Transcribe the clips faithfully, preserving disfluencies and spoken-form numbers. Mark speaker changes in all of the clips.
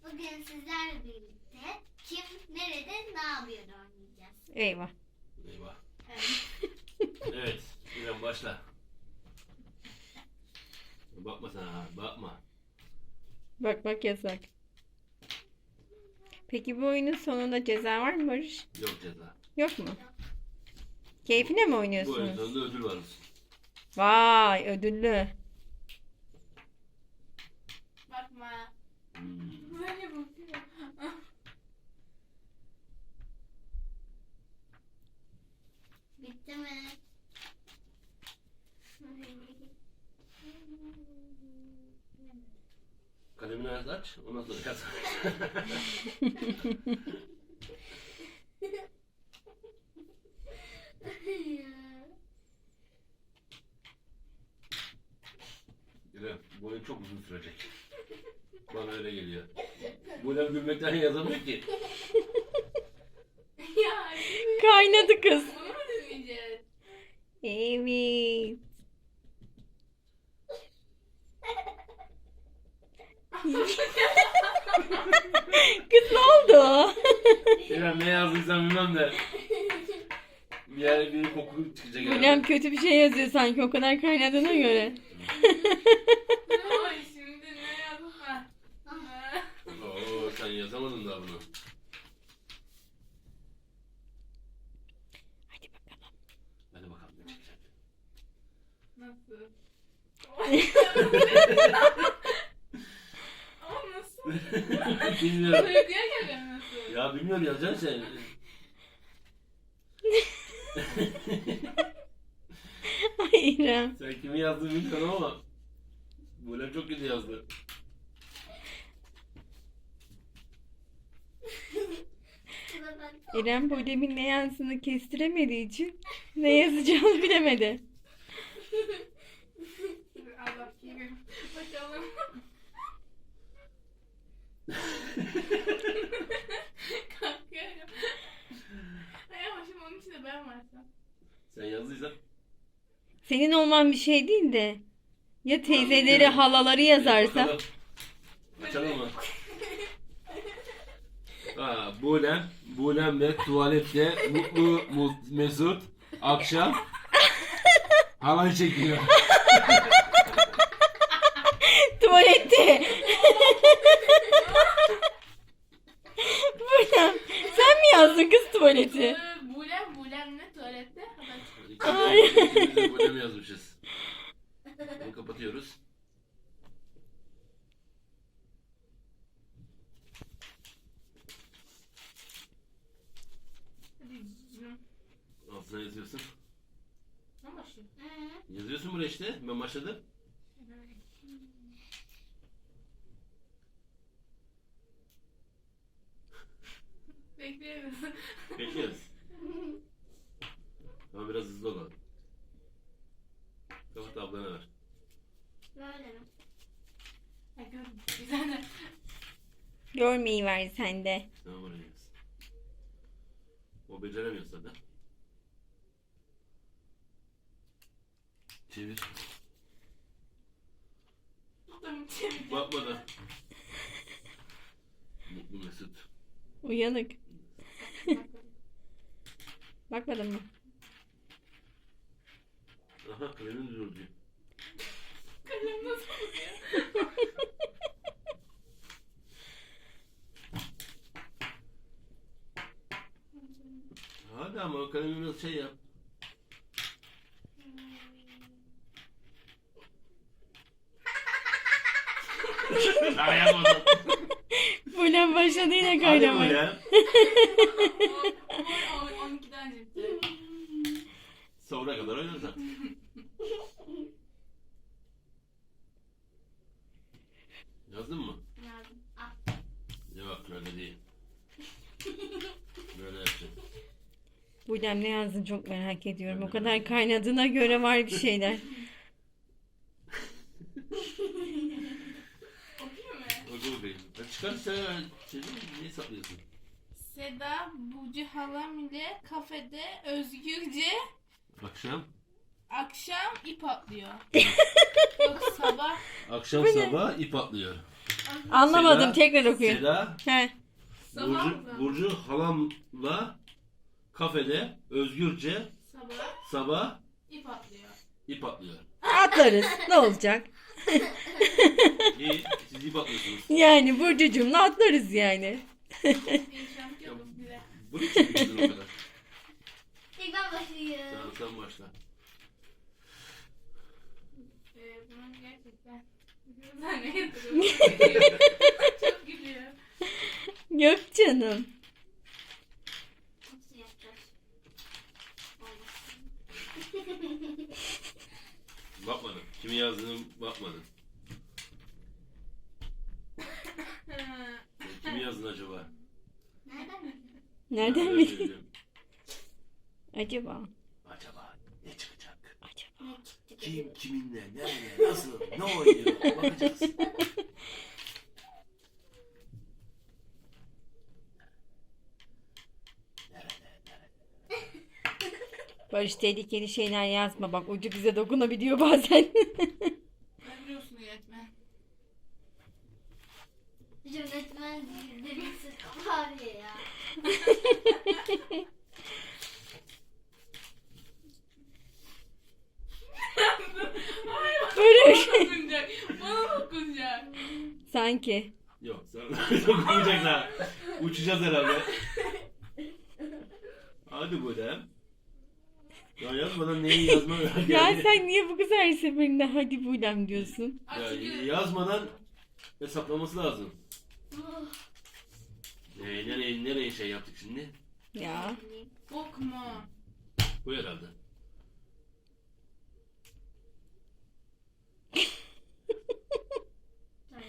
Speaker 1: Bugün sizlerle birlikte kim, nerede, ne yapıyor oynayacağız.
Speaker 2: Eyvah.
Speaker 3: Eyvah.
Speaker 1: Evet.
Speaker 3: Evet. İrem başla. Bakma sen ha. Bakma.
Speaker 2: Bak bak yasak. Peki bu oyunun sonunda ceza var mı Barış?
Speaker 3: Yok ceza.
Speaker 2: Yok mu? Keyfine mi
Speaker 3: Bu oyun
Speaker 2: oynuyorsunuz?
Speaker 3: sonunda ödül varmış.
Speaker 2: Vay ödüllü.
Speaker 1: Bakma.
Speaker 3: Hmm.
Speaker 1: Böyle bakıyor. Bitti mi?
Speaker 3: Kalemini aç. Ondan sonra yaz. İrem bu oyun çok uzun sürecek. Bana öyle geliyor. Bu İrem gülmekten yazamıyor ki.
Speaker 1: Ya.
Speaker 2: Kaynadı kız.
Speaker 1: Bunu mu dinleyeceğiz?
Speaker 2: Evet. Kız ne oldu?
Speaker 3: İrem ne yazdıysan bilmem de. Bir yer bir koku çıkacak.
Speaker 2: Hocam kötü bir şey yazıyor sanki o kadar kaynadığına göre.
Speaker 1: Ay şimdi ne yapma?
Speaker 3: Oo sen yazamadın daha bunu.
Speaker 2: Hadi bakalım.
Speaker 3: Hadi bakalım ne çıkacak.
Speaker 1: Nasıl? Ama nasıl?
Speaker 3: Bilmiyorum.
Speaker 1: Uykuya geliyor nasıl?
Speaker 3: Ya bilmiyorum yazacaksın sen.
Speaker 2: Ay İrem.
Speaker 3: Sen kimi yazdığını bilmiyorum ama böyle çok kötü yazdı.
Speaker 2: İrem bu demin ne yazdığını kestiremediği için ne yazacağını bilemedi.
Speaker 1: Al bakayım. Bakalım. Kalkıyorum. Ay ama şimdi onun içinde ben varsam.
Speaker 3: Sen yazdıysan.
Speaker 2: Senin olman bir şey değil de ya teyzeleri halaları yazarsa.
Speaker 3: Bakalım. Açalım mı? Ha, Bulem, Bulem ve tuvalette mutlu mu- Mesut akşam halay çekiyor.
Speaker 2: Tuvalette. Bulem. Sen mi yazdın kız tuvaleti?
Speaker 1: Ee, Bulem, Bulem ne tuvalette? Haber.
Speaker 2: Ay.
Speaker 3: İkimiz de Bulem yazmışız. Bunu kapatıyoruz.
Speaker 1: Hadi.
Speaker 3: Altına yazıyorsun.
Speaker 1: Ne başlıyor?
Speaker 3: Yazıyorsun buraya işte. Ben başladım.
Speaker 1: Bekliyoruz.
Speaker 3: Bekliyoruz. Ama biraz hızlı olalım. Kapat ablana ver.
Speaker 1: Böyle mi? Ha gördüm. Güzel de.
Speaker 2: Görmeyi ver sen de.
Speaker 3: Tamam oraya yaz. O beceremiyor zaten. Çevir.
Speaker 1: Tamam çevir.
Speaker 3: Bakmadan. Mutlu Mesut.
Speaker 2: Uyanık. Bakmadın mı?
Speaker 3: Aha kalemin durdu.
Speaker 1: Kalem nasıl oluyor?
Speaker 3: Hadi ama o kalemi biraz şey yap. Daha yapmadım.
Speaker 2: Bulem başladı yine
Speaker 3: Hadi
Speaker 2: kaynamaya.
Speaker 3: Bulem.
Speaker 1: on ikiden ciddi.
Speaker 3: Sonra kadar oynarsan. Yazdın mı?
Speaker 1: Yardım. Al.
Speaker 3: Yok öyle değil. Böyle yapacaksın.
Speaker 2: Bulem ne yazdın çok merak ediyorum. O kadar kaynadığına göre var bir şeyler.
Speaker 1: Okuyayım mı?
Speaker 3: Oku bakayım. Ya çıkar sen şey değil mi? Niye saklıyorsun?
Speaker 1: Seda Bucu halam ile kafede özgürce
Speaker 3: Akşam.
Speaker 1: akşam ip atlıyor. Yok sabah
Speaker 3: Akşam sabah ip atlıyor.
Speaker 2: Anlamadım.
Speaker 3: Seda-
Speaker 2: Tekrar okuyun.
Speaker 3: Seda,
Speaker 2: He.
Speaker 1: Sabah
Speaker 3: Burcu,
Speaker 1: mı?
Speaker 3: Burcu halamla kafede özgürce
Speaker 1: Sabah
Speaker 3: sabah
Speaker 1: ip atlıyor.
Speaker 3: ip atlıyor.
Speaker 2: Atlarız. Ne olacak?
Speaker 3: İyi, siz ip atlıyorsunuz.
Speaker 2: Yani Burcucuğumla atlarız yani.
Speaker 1: Bir şampiyonuz bile.
Speaker 3: Bu ne için bildin o kadar?
Speaker 4: İlk ben başlayayım.
Speaker 3: Tamam sen başla.
Speaker 1: Ee, bunun gerçekten sen ne yapıyorsun? Çok gülüyor.
Speaker 2: Yok canım.
Speaker 4: Nasıl yapacağız?
Speaker 3: Bakmadım. Kimin yazdığını bakmadım.
Speaker 1: Ha,
Speaker 3: Kimin yazdın acaba?
Speaker 4: Nereden mi?
Speaker 2: Nereden
Speaker 3: Ben
Speaker 2: bileyim?
Speaker 3: bilmiyorum.
Speaker 2: Acaba?
Speaker 3: Acaba ne çıkacak?
Speaker 2: Acaba?
Speaker 4: Ne çıktı?
Speaker 3: Kim kiminle, nerede, nasıl, ne oynuyor? Bakacağız.
Speaker 2: Barış tehlikeli şeyler yazma. Bak ucu bize dokunabiliyor bazen.
Speaker 1: ben biliyorsun yönetmen.
Speaker 4: Yönetmen demişsin abi ya.
Speaker 1: Ay
Speaker 2: Böyle bir
Speaker 1: bana
Speaker 2: şey.
Speaker 1: dokunacak. Bana dokunacak.
Speaker 2: Sanki.
Speaker 3: Yok, sana dokunmayacak daha. Uçacağız herhalde. Hadi böyle. Ya yazmadan neyi yazma
Speaker 2: Ya
Speaker 3: yani.
Speaker 2: sen niye bu kız her seferinde hadi buylem diyorsun?
Speaker 3: Ya,
Speaker 1: Açık.
Speaker 3: yazmadan hesaplaması lazım.
Speaker 4: Oh,
Speaker 3: Ee, nereye, nereye şey yaptık şimdi?
Speaker 2: Ya.
Speaker 1: Bok mu?
Speaker 3: Bu herhalde.
Speaker 4: tamam.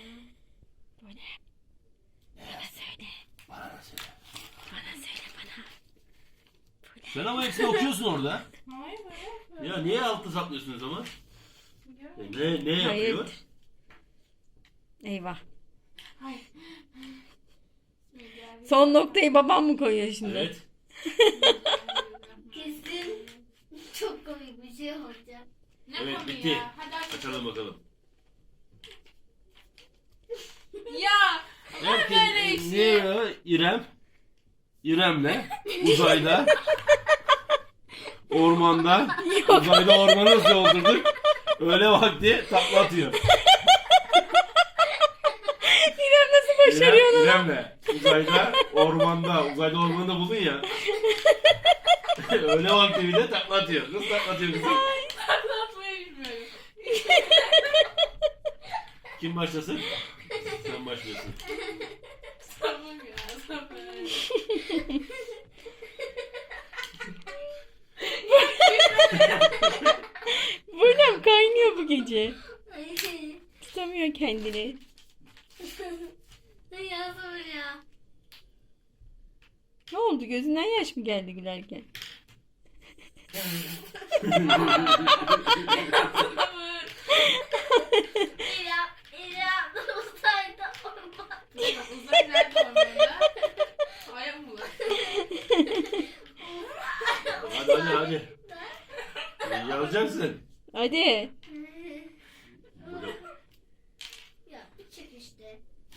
Speaker 2: Bana söyle.
Speaker 3: Bana da söyle.
Speaker 2: Bana söyle bana.
Speaker 3: Sen ama hepsini okuyorsun orada.
Speaker 1: Hayır hayır.
Speaker 3: Ya niye altta saplıyorsun o zaman?
Speaker 1: Ya.
Speaker 3: E, ne, ne
Speaker 2: Hayır.
Speaker 3: yapıyor?
Speaker 2: Eyvah.
Speaker 1: Hayır. Bismillahirrahmanirrahim.
Speaker 2: Son noktayı babam mı koyuyor şimdi?
Speaker 3: Evet.
Speaker 4: Kesin çok komik bir şey olacak.
Speaker 1: Ne
Speaker 3: Evet,
Speaker 1: konuyu
Speaker 3: bitti.
Speaker 1: ya? Hadi aç.
Speaker 3: Açalım bakalım.
Speaker 1: Ya. Var
Speaker 3: Herkes,
Speaker 1: böyle
Speaker 3: e,
Speaker 1: işi.
Speaker 3: ne ya? İrem. İrem'le uzayda ormanda uzayda ormanı nasıl yoldurduk? Öğle vakti takla atıyor.
Speaker 2: İrem nasıl başarıyor onu?
Speaker 3: İrem, İrem'le uzayda ormanda uzayda ormanda buldun ya. Öğle vakti bir de takla atıyor. Nasıl takla atıyor kızım?
Speaker 1: Anlatmayı bilmiyorum.
Speaker 3: Kim başlasın? Sen başlıyorsun.
Speaker 1: Sabır ya sabır.
Speaker 2: Buylem kaynıyor bu gece.
Speaker 4: Ay,
Speaker 2: Tutamıyor kendini.
Speaker 4: ne yazıyor ya?
Speaker 2: Ne oldu? Gözünden yaş mı geldi gülerken?
Speaker 1: Sabır.
Speaker 4: İrem, İrem uzayda orman.
Speaker 1: Uzay nerede ormanda? Aya mı var?
Speaker 3: Hadi hadi hadi. E, Yazacaksın.
Speaker 2: Hadi.
Speaker 4: Ya bir çık işte.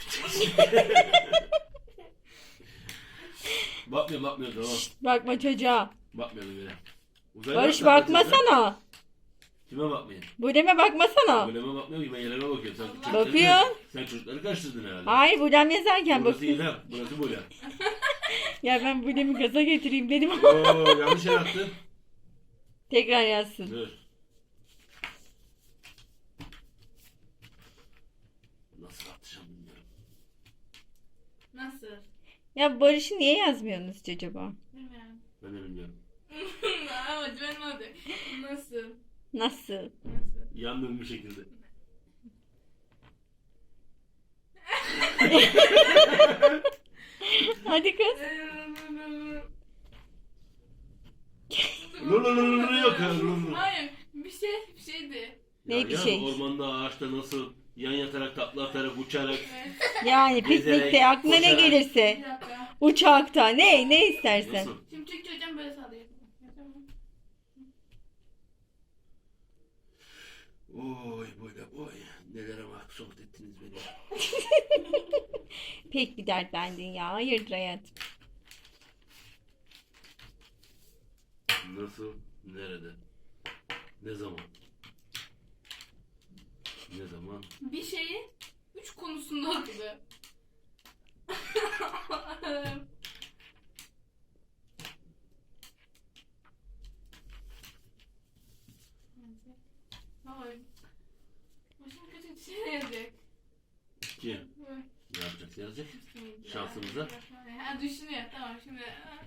Speaker 3: Bakmıyor bakmıyor tamam.
Speaker 2: Bakma çocuğa.
Speaker 3: Bakmıyorum bile. Uzayda
Speaker 2: Barış
Speaker 3: takla atıyorsun.
Speaker 2: bakmasana.
Speaker 3: Kime bakmayın?
Speaker 2: Bulem'e bakmasana.
Speaker 3: Buleme bakmıyor ki ben yerlere bakıyorum. Sen çocukları-
Speaker 2: Bakıyor.
Speaker 3: Sen çocukları karıştırdın herhalde.
Speaker 2: Hayır Bulem yazarken
Speaker 3: Burası
Speaker 2: bak.
Speaker 3: İrem, burası Bulem.
Speaker 2: Ya ben Bulem'i gaza getireyim dedim ama
Speaker 3: Oo yanlış yer attın.
Speaker 2: tekrar yazsın.
Speaker 3: Dur. Nasıl atacağım bilmiyorum.
Speaker 1: Nasıl?
Speaker 2: Ya Barış'ı niye yazmıyorsunuz hiç acaba?
Speaker 1: Bilmiyorum.
Speaker 3: Ben de bilmiyorum.
Speaker 1: Ama ben oldu. Nasıl?
Speaker 2: Nasıl?
Speaker 1: Nasıl?
Speaker 3: Yandım bir şekilde.
Speaker 2: Hadi kız.
Speaker 3: Lulululu yok ya. lululu.
Speaker 1: Hayır. Bir şey bir şeydi.
Speaker 2: Ne
Speaker 3: Ya
Speaker 2: bir
Speaker 3: yaz
Speaker 2: şey?
Speaker 3: Ormanda ağaçta nasıl yan yatarak tatlı atarak uçarak
Speaker 1: Evet.
Speaker 2: Yani
Speaker 3: Gezerek,
Speaker 2: piknikte aklına ne
Speaker 3: koşarak.
Speaker 1: Bir
Speaker 2: gelirse.
Speaker 1: dakika.
Speaker 2: Uçakta ne ne istersen.
Speaker 3: nasıl?
Speaker 1: Şimdi Türkçe hocam böyle sallıyor. Tamam.
Speaker 3: Oy böyle oy. Nelere mahcup ettiniz beni.
Speaker 2: Pek bir dertlendin ya. Hayırdır hayatım?
Speaker 3: Nasıl? Nerede? Ne zaman? Ne zaman?
Speaker 1: Bir şeyi üç konusunda haklı. Hayır. Başım kötü bir şey yazacak.
Speaker 3: Kim? Ne yapacak? Yazacak. Şansımıza.
Speaker 1: Ha düşünüyor. Tamam şimdi.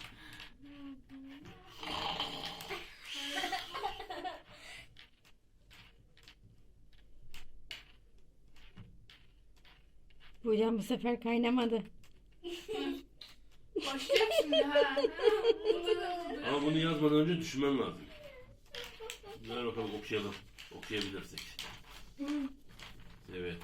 Speaker 2: Hocam bu sefer kaynamadı.
Speaker 1: Başlayacak şimdi ha.
Speaker 3: Ama bunu yazmadan önce düşünmem lazım. Ver bakalım okuyalım. Okuyabilirsek. Evet.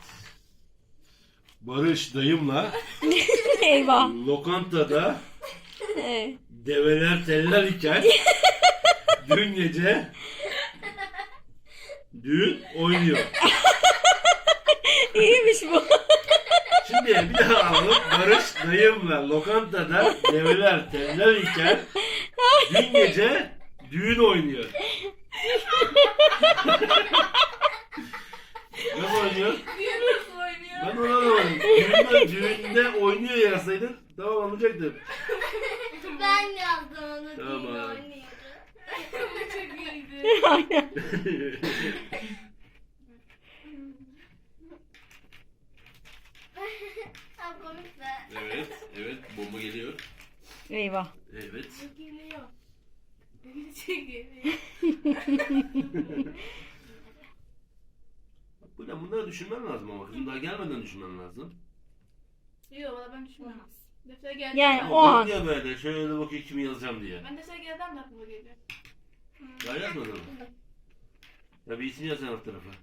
Speaker 3: Barış dayımla
Speaker 2: Eyvah.
Speaker 3: lokantada
Speaker 2: Evet.
Speaker 3: develer teller iken dün gece düğün oynuyor.
Speaker 2: İyiymiş bu.
Speaker 3: Şimdi bir daha alalım. Barış dayımla lokantada develer teller iken dün gece düğün oynuyor. Nasıl oynuyor?
Speaker 1: Niye nasıl oynuyor?
Speaker 3: Ben ona anlamadım. Düğünde, düğünde oynuyor yazsaydın tamam anlayacaktım.
Speaker 4: Ben yazdım onu.
Speaker 3: Tamam.
Speaker 4: Tamam. Oynuyordu.
Speaker 1: Çok iyiydi.
Speaker 2: Aynen.
Speaker 4: Ha komik be.
Speaker 3: Evet, evet bomba geliyor.
Speaker 2: Eyvah.
Speaker 3: Evet.
Speaker 1: Çok geliyor. Çok geliyor.
Speaker 3: Bu ne? Bunları düşünmen lazım ama kızım daha gelmeden düşünmen lazım.
Speaker 1: Yok valla ben düşünmem. Defter geldi.
Speaker 2: Yani
Speaker 3: Ama
Speaker 2: o an.
Speaker 3: bakıyor böyle şöyle bakıyor kimi yazacağım diye.
Speaker 1: Ben defter gelden de aklıma geliyor.
Speaker 3: Daha yazmadın mı? Ya bir isim yazan alt tarafa.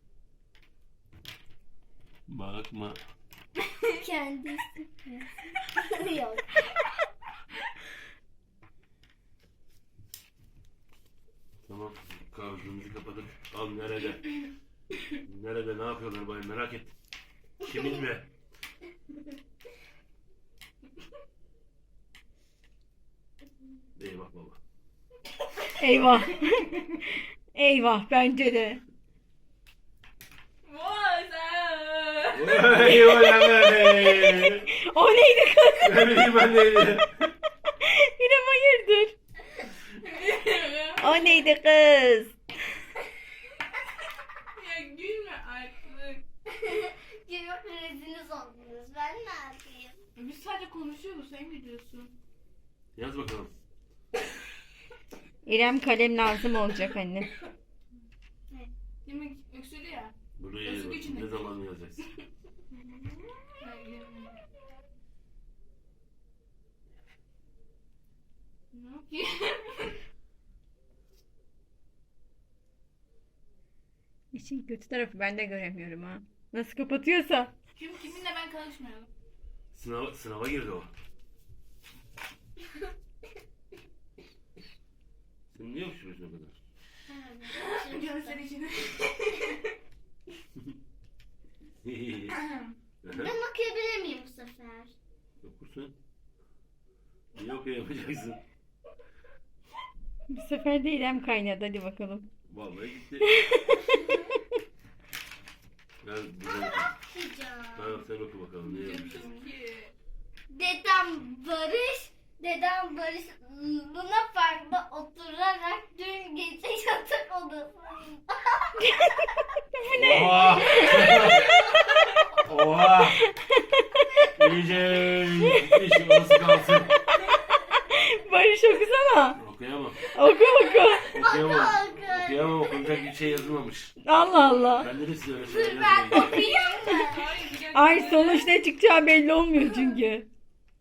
Speaker 3: Bakma.
Speaker 4: Kendisi. Yok.
Speaker 3: Tamam. Kahvemizi kapadık. Al nerede? Nerede ne yapıyorlar bay merak ettim. Kimin mi? Eyvah baba.
Speaker 2: Eyvah. Eyvah bence de.
Speaker 1: Vay sen.
Speaker 3: Vay vay.
Speaker 2: O neydi kız?
Speaker 3: Ne bileyim ben neydi?
Speaker 2: İrem hayırdır? O neydi kız?
Speaker 1: Ya gülme artık.
Speaker 4: Yok reziniz oldunuz. Ben ne yapayım?
Speaker 1: Biz sadece konuşuyoruz sen gidiyorsun.
Speaker 3: Yaz bakalım.
Speaker 2: İrem kalem lazım olacak anne.
Speaker 1: Demek öksürü ya.
Speaker 3: Buraya
Speaker 1: Yazık
Speaker 3: bak.
Speaker 1: içinde.
Speaker 3: Ne zaman yazacaksın?
Speaker 1: Ne yapayım?
Speaker 2: İşin kötü tarafı ben de göremiyorum ha. Nasıl kapatıyorsa.
Speaker 1: Kim kiminle ben karışmayalım.
Speaker 3: Sınava, sınava girdi o. Sen niye öksürüyorsun o kadar?
Speaker 1: Gözler içine.
Speaker 4: Ben okuyabilir miyim bu sefer?
Speaker 3: Okursun. Niye okuyamayacaksın?
Speaker 2: Bu sefer de İrem kaynadı hadi bakalım.
Speaker 3: Vallahi gitti. Ben güzel okuyayım.
Speaker 4: Okuyacağım.
Speaker 3: Tamam sen oku bakalım ne yazmışsın.
Speaker 4: Dedem Barış, dedem Barış Luna Park'ta oturarak dün gece yatak odasında.
Speaker 3: Oha! Oha! İyice gitmiş orası kalsın.
Speaker 2: Barış okusana.
Speaker 3: Okuyamam.
Speaker 2: Oku oku.
Speaker 3: Okuyamam.
Speaker 4: Oku.
Speaker 3: Okuyamam okunacak bir şey yazılmamış.
Speaker 2: Allah Allah.
Speaker 3: Ben de size öyle şeyler
Speaker 4: Dur ben
Speaker 3: yazmayayım.
Speaker 4: okuyayım mı?
Speaker 2: Ay sonuç ne çıkacağı belli olmuyor çünkü.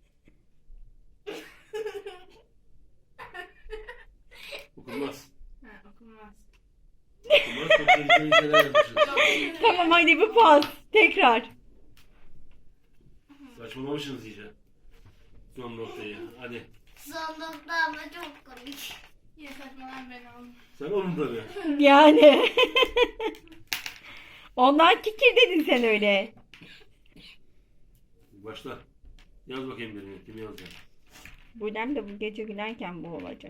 Speaker 3: Okunmaz.
Speaker 1: Ha okunmaz.
Speaker 3: Okunmaz. Çok tehlikeli şeyler yazmışız.
Speaker 2: Tamam hadi bir pas. Tekrar.
Speaker 3: Saçmalamışsınız iyice. Son noktayı. Hadi.
Speaker 4: Son nokta ama çok komik.
Speaker 1: Yine saçmalan ben aldım.
Speaker 3: Sen onun tabii.
Speaker 2: Yani. Ondan kikir dedin sen öyle.
Speaker 3: Başla. Yaz bakayım birini. Kimi yazacak?
Speaker 2: Bulem de bu gece gülerken bu olacak.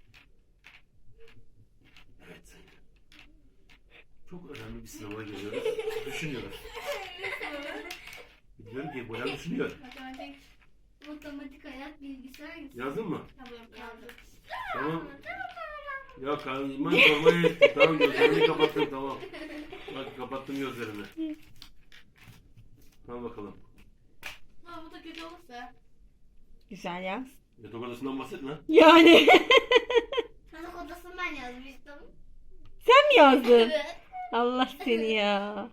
Speaker 3: Evet. Çok önemli bir sınava geliyoruz. Düşünüyoruz. Biliyorum ki Bulem düşünüyor.
Speaker 1: Matematik.
Speaker 4: Matematik, hayat, bilgisayar.
Speaker 3: Yazdın mı?
Speaker 1: Tablo kaldı.
Speaker 3: Tamam. Ya kanıma sormaya ettim. Tamam gözlerini kapattım tamam. Bak kapattım gözlerini. Al bakalım.
Speaker 1: Ama bu da kötü olursa.
Speaker 2: Güzel yaz.
Speaker 3: Yatak odasından bahsetme.
Speaker 2: Yani
Speaker 4: Yatak odasını ben yazmıştım.
Speaker 2: sen mi yazdın?
Speaker 4: Evet.
Speaker 2: Allah seni ya.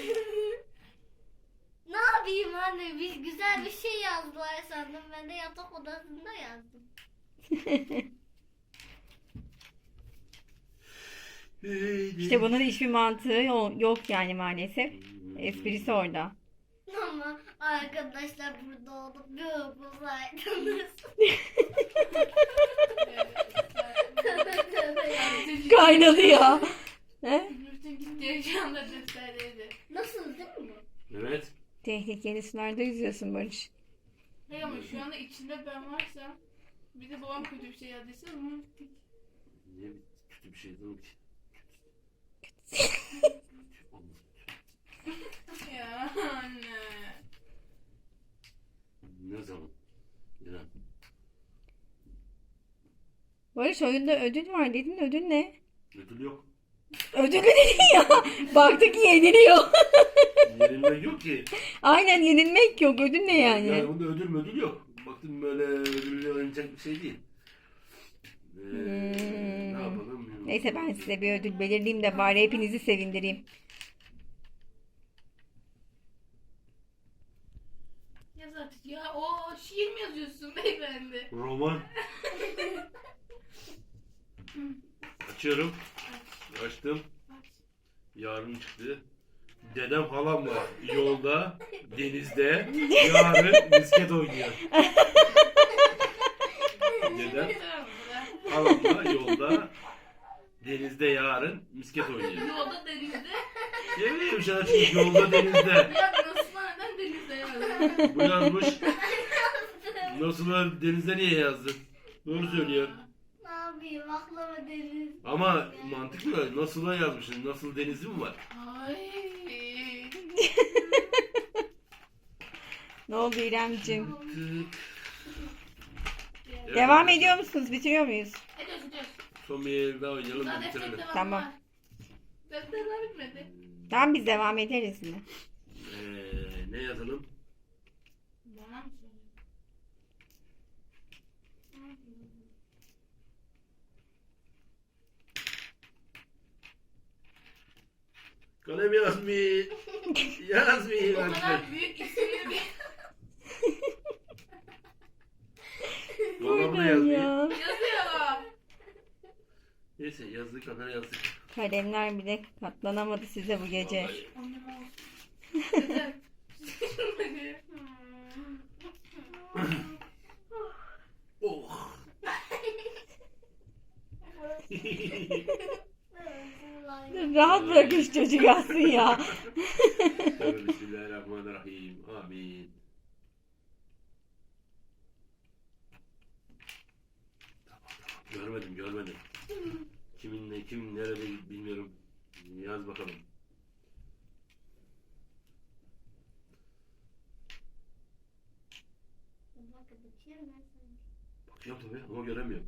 Speaker 4: Ne yapayım anne? Bir güzel bir şey yazdılar sandım. Ben de yatak odasında yazdım.
Speaker 2: İşte bunun hiçbir mantığı yo- yok yani maalesef. Esprisi orada.
Speaker 4: Ama arkadaşlar burada olup bir okusaydınız. Tövbe tövbe ya.
Speaker 2: Kaynadı ya. He?
Speaker 1: Bütün gittiği şu anda defterdeydi.
Speaker 4: Nasıl değil mi?
Speaker 3: Evet.
Speaker 2: Tehlikeli sularda yüzüyorsun Barış.
Speaker 1: Hey ama şu anda içinde ben varsam bir de babam kötü bir şey yazdıysa bunu bittik.
Speaker 3: Niye bir- kötü bir şey yazalım ki? Olmaz.
Speaker 1: Ya anne.
Speaker 3: Ne zaman? İrem.
Speaker 2: Barış oyunda ödül var dedin. Ödül ne?
Speaker 3: Ödül yok.
Speaker 2: Ödülü dedin ya. Baktık yeniliyor.
Speaker 3: Yenilmek yok ki.
Speaker 2: Aynen yenilmek yok. Ödül ne yani?
Speaker 3: Yani bunda ödül ödül yok. Baktım böyle ödülle oynayacak bir şey değil. Ee,
Speaker 2: Hmm.
Speaker 3: Ne yapalım?
Speaker 2: Neyse ben size bir ödül belirleyeyim de bari hepinizi sevindireyim.
Speaker 1: Yaz artık ya. O şiir mi yazıyorsun beyefendi?
Speaker 3: Roman. Açıyorum. Açtım.
Speaker 1: Aç.
Speaker 3: Yarın çıktı. Dedem halamla yolda, denizde, yarın misket oynuyor. Dedem
Speaker 1: Tamam mı?
Speaker 3: halamla yolda, denizde yarın misket oynuyor.
Speaker 1: Yolda denizde.
Speaker 3: Ne bileyim sana çünkü yolda denizde.
Speaker 1: Ya nasıl neden denizde yazdın?
Speaker 3: Bu yazmış. Nasıl öyle denizde niye yazdın? Doğru söylüyor.
Speaker 4: Ne yapayım? Aklıma deniz.
Speaker 3: Ama mantıklı. Nasıl'a yazmışsın. Nasıl denizi mi var?
Speaker 1: Ay.
Speaker 2: Ne oldu İremcim?
Speaker 3: Tık. Evet,
Speaker 2: Devam
Speaker 3: evet.
Speaker 2: ediyor musunuz? Bitiriyor muyuz?
Speaker 1: Ediyoruz ediyoruz.
Speaker 3: Son bir el daha oynayalım
Speaker 1: Daha
Speaker 3: da
Speaker 1: defter
Speaker 3: bitirelim.
Speaker 1: devam
Speaker 2: Tamam.
Speaker 1: var. Defter daha bitmedi.
Speaker 2: Tamam biz devam ederiz yine.
Speaker 3: Ee, ne yazalım?
Speaker 1: Bana mı söylüyorsun?
Speaker 3: Kalem yazmayı. Yazmayı.
Speaker 1: O kadar büyük isimli bir
Speaker 3: Dolabı da
Speaker 2: Aynen
Speaker 3: yazmayı.
Speaker 2: ya.
Speaker 1: yazıyor.
Speaker 3: Neyse yazdık kadar yazdık.
Speaker 2: Kalemler bile katlanamadı size bu gece.
Speaker 3: Vallahi.
Speaker 1: Annem olsun. Yeter.
Speaker 3: Oh.
Speaker 2: Rahat bırakın şu çocuk yazsın ya.
Speaker 3: Tövbe bismillahirrahmanirrahim. Amin. Tamam tamam. Görmedim görmedim. Kimin ne kim nerede bilmiyorum. Yaz bakalım. Bakıyorum tabii ama göremiyorum.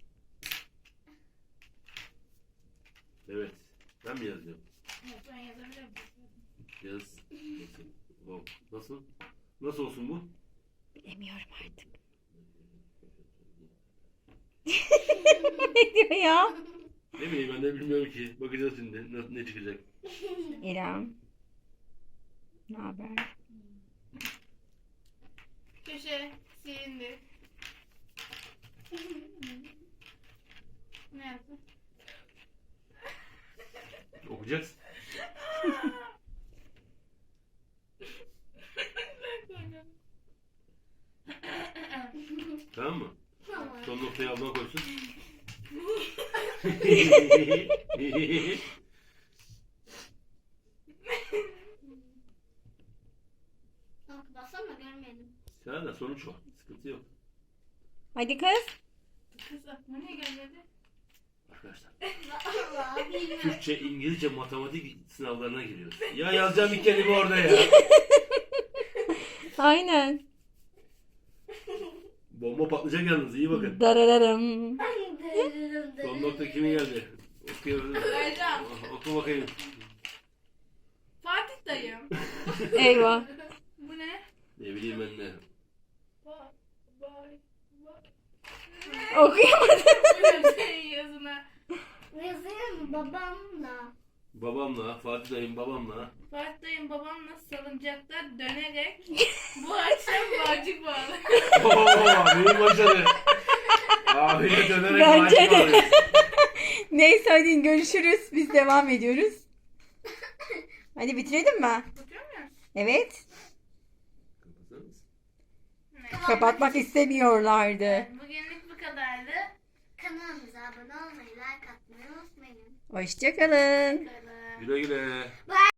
Speaker 3: Evet. Ben mi yazıyorum?
Speaker 1: Evet, ben yazabilirim.
Speaker 3: Yaz. Nasıl? Oh. Nasıl? Nasıl olsun bu?
Speaker 2: Bilemiyorum artık. Ne diyor ya?
Speaker 3: Ne bileyim ben de bilmiyorum ki. Bakacağız şimdi ne, ne çıkacak.
Speaker 2: İrem. Ne haber?
Speaker 1: Köşe silindi. Ne yaptın?
Speaker 3: Okuyacaksın. Tamam mı?
Speaker 4: Tamam.
Speaker 3: Son noktayı ablan koysun.
Speaker 4: Tamam, bassana görmedim.
Speaker 3: Sen de sonuç o. Sıkıntı yok.
Speaker 2: Hadi kız.
Speaker 1: Kız aklıma niye gelmedi?
Speaker 3: Arkadaşlar.
Speaker 4: Allah bilmiyorum.
Speaker 3: Türkçe, İngilizce, matematik sınavlarına giriyoruz. Ya yazacağım bir kelime orada ya.
Speaker 2: Aynen.
Speaker 3: Bomba patlayacak yalnız, iyi bakın.
Speaker 2: Darararım.
Speaker 3: Son nokta kimin geldi? Okuyalım.
Speaker 1: Vereceğim.
Speaker 3: Oku bakayım.
Speaker 1: Fatih dayım.
Speaker 2: Eyvah.
Speaker 1: Bu ne?
Speaker 3: Ne bileyim ben ne.
Speaker 1: Ba bay ba.
Speaker 2: Okuyamadım.
Speaker 1: Bu senin yazına.
Speaker 4: Yazayım mı babamla?
Speaker 3: Babamla, Fatih dayım babamla.
Speaker 1: Fatih dayım babamla salıncakta dönerek bu akşam bağcık bağlı.
Speaker 3: Ooo büyük başarı. Abiyle dönerek
Speaker 2: Bence
Speaker 3: maaşı
Speaker 2: de.
Speaker 3: alıyor.
Speaker 2: Neyse hadi görüşürüz. Biz devam ediyoruz. Hadi bitirelim mi?
Speaker 1: Bakıyor musun?
Speaker 2: Evet.
Speaker 3: Kapatır mısın?
Speaker 2: Kapatmak istemiyorlardı.
Speaker 1: Bugünlük bu kadardı.
Speaker 4: Kanalımıza abone olmayı, like atmayı unutmayın.
Speaker 2: Hoşçakalın.
Speaker 1: Bakalım.
Speaker 3: Güle güle.